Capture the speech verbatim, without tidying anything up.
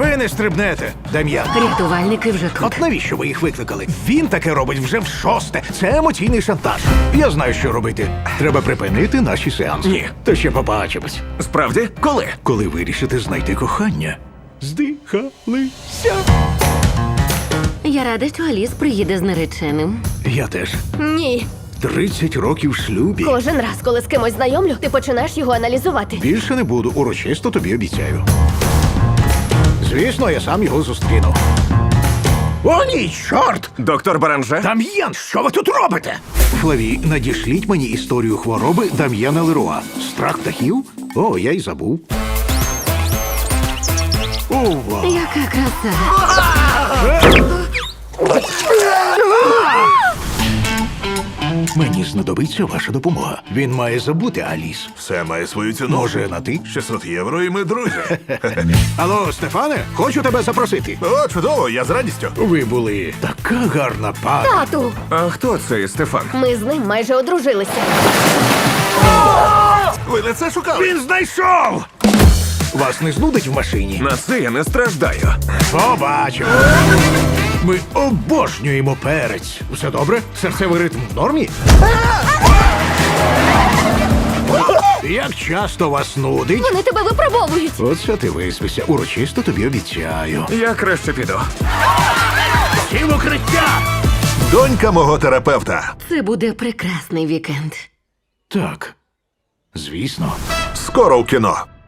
Ви не стрибнете, Дем'ян. Рятувальники вже тут. От навіщо ви їх викликали? Він таке робить вже в шосте. Це емоційний шантаж. Я знаю, що робити. Треба припинити наші сеанси. Ні. То ще побачимось. Справді? Коли? Коли вирішите знайти кохання. Здихалися. Я рада, що Аліс приїде з нареченим. Я теж. Ні. тридцять років в шлюбі. Кожен раз, коли з кимось знайомлю, ти починаєш його аналізувати. Більше не буду, урочисто тобі обіцяю. Звісно, я сам його зустріну. О, ні, чорт! Доктор Баранже? Дам'ян, що ви тут робите? Флаві, надішліть мені історію хвороби Дам'яна Леруа. Страх птахів? О, я й забув. Ова! Яка краса. Мені знадобиться ваша допомога. Він має забути Аліс. Все має свою ціну. Може, на ти? шістсот євро і ми друзі. Алло, Стефане, хочу тебе запросити. О, чудово, я з радістю. Ви були така гарна пара. Тату! А хто цей Стефан? Ми з ним майже одружилися. Ви не це шукали? Він знайшов! Вас не знудить в машині? На це я не страждаю. Побачимо. Ми обожнюємо перець. Все добре? Серцевий ритм в нормі? Як часто вас нудить? Вони тебе випробовують. Оце ти виспися. Урочисто тобі обіцяю. Я краще піду. Всі в укриття! Донька мого терапевта. Це буде прекрасний вікенд. Так, звісно. Скоро в кіно.